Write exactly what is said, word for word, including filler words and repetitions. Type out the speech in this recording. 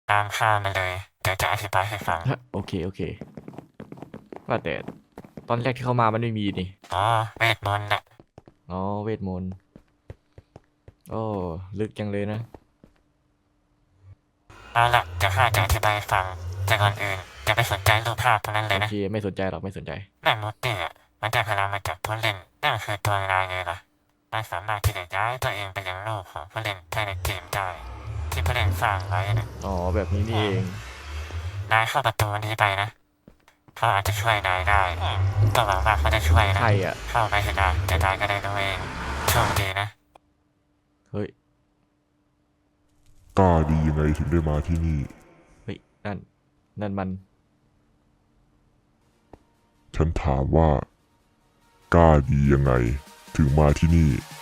ตามข้ามาเลยเดี๋ยวจะอธิบายให้ฟังฮะโอเคโอเคว่าแต่ตอนแรกที่เข้ามามันไม่มีนี่อ๋อเวทมนต์น่ะอ๋อเวทมนต์โอ้ลึกจังเลยนะเอาล่ะเดี๋ยวข้าจะอธิบายให้ฟังแต่ก่อนอื่นจะไปสนใจรูปภาพตรงนั้นเลยนะโอเคไม่สนใจหรอกไม่สนใจแม่มดเนี่ยมันได้พลังมาจากผู้เล่นนั่นคือตัวลายเลยล่ะมันสามารถที่จะย้ายตัวเองไปยังโลกของผู้เล่นภายในเกมได้ที่ผู้เล่นสร้างไว้นะอ๋อแบบนี้นี่เองนายเข้าประตูนี้ไปนะเขาอาจจะช่วยนายได้ก็หวังว่าเขาจะช่วยนะใครอ่ะเข้าไปเถอะนะจะนายก็ได้รู้เองโชคดีนะเฮ้ยกล้าดียังไงถึงได้มาที่นี่เฮ้ยนั่นนั่นมันฉันถามว่ากล้าดียังไงถึงมาที่นี่